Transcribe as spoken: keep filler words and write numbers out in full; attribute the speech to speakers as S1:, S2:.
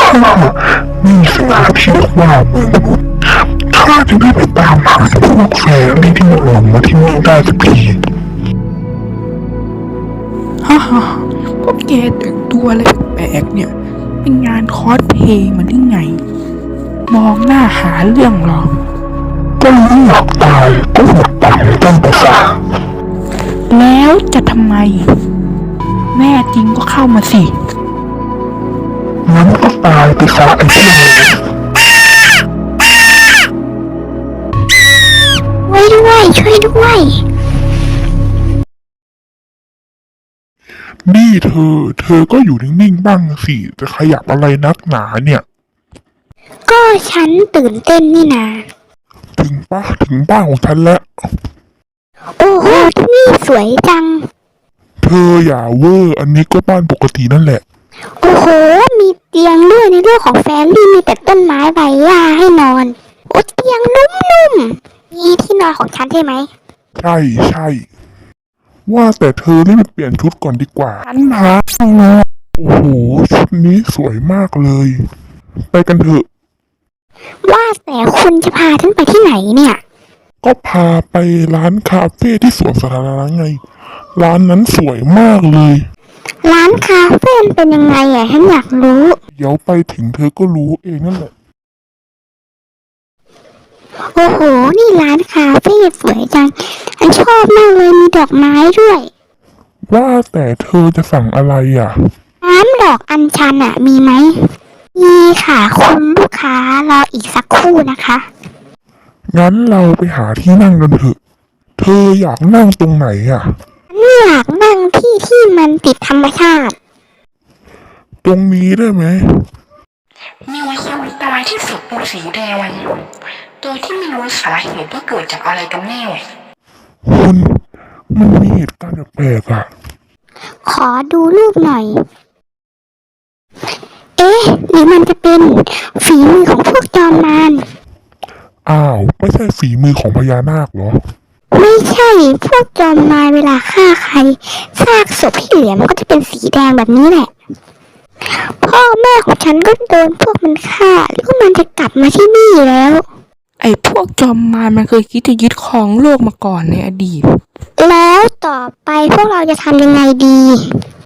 S1: ข้ามีสิทธิ์ที่ว่าข้าจะได้ไปตามหาพวกแฟรี่ที่หลงมาที่นี่ได้สักที
S2: ฮ่าฮ่าพวกแกแต่งตัวอะไรแปลกๆเนี่ยเป็นงานคอสเพลย์มันได้ไงมองหน้าหาเรื่องหรอ
S1: ก็ไม่อยากตายก็หมดไปต้องประสา
S2: แล้วจะทำไมแน่จริงก็เข้ามาสิ
S1: งั้นก็ตายไปซะไอ้พวกนี้
S3: ช่วยด้วยช่วยด้วย
S1: นี่เธอเธอก็อยู่นิ่งๆบ้างสิจะขยับอะไรนักหนาเนี่ย
S3: ก็ฉันตื่นเต้นนี่นา
S1: ถึงป้าถึงบ้านของฉันแล้ว
S3: โอ้โหที่นี่สวยจัง
S1: เธออย่าเวอร์อันนี้ก็บ้านปกตินั่นแหละ
S3: โอ้โหมีเตียงด้วยในเรื่องของแฟรี่มีแต่ต้นไม้ใบหญ้าให้นอนโอ้เตียงนุ่มๆนี่ที่นอนของฉันใช่ไหม
S1: ใช่ใช่ว่าแต่เธอรีบเปลี่ยนชุดก่อนดีกว่า
S2: ฉันหา
S1: โอ้โหชุดนี้สวยมากเลยไปกันเถอะ
S3: ว่าแต่คุณจะพาฉันไปที่ไหนเนี่ย
S1: ก็พาไปร้านคาเฟ่ที่สวนสาธารณะไงร้านนั้นสวยมากเลย
S3: ร้านคาเฟ่เป็นยังไงอ่ะฉันอยากรู้
S1: เดี๋ยวไปถึงเธอก็รู้เองนั่นแหละ
S3: โอ้โหนี่ร้านคาเฟ่สวยจังฉันชอบมากเลยมีดอกไม้ด้วย
S1: ว่าแต่เธอจะสั่งอะไรอ่ะ
S3: น้ำดอกอัญชันอ่ะมีไหมมีค่ะคุณลูกค้ารออีกสักครู่นะคะ
S1: งั้นเราไปหาที่นั่งกันเถอะเธออยากนั่งตรงไหนอ่ะ
S3: อยากนั่งที่ที่มันติดธรรมชาติ
S1: ตรงนี้ได้ไหม
S2: มีคนตายที่ศพเป็นสีแดงโดยที่ไม่รู้สาเหตุว่าเกิดจากอะไรกันแน่
S1: คุณมันมีเหตุการณ์แปลกๆอ่ะ
S3: ขอดูรูปหน่อยเอ๊ะหรือมันจะเป็นฝีมือของพวกจอมมาร
S1: อ้าวไม่ใช่ฝีมือของพญานาคเหรอ
S3: ไม่ใช่พวกจอมมารเวลาฆ่าใครซากศพที่เหลือมันก็จะเป็นสีแดงแบบนี้แหละพ่อแม่ของฉันก็โดนพวกมันฆ่าแล้วก็มันจะกลับมาที่นี่แล้ว
S2: ไอ้พวกจอมมารมันเคยคิดจะยึดครองโลกมาก่อนในอดีต
S3: แล้วต่อไปพวกเราจะทำยังไงดี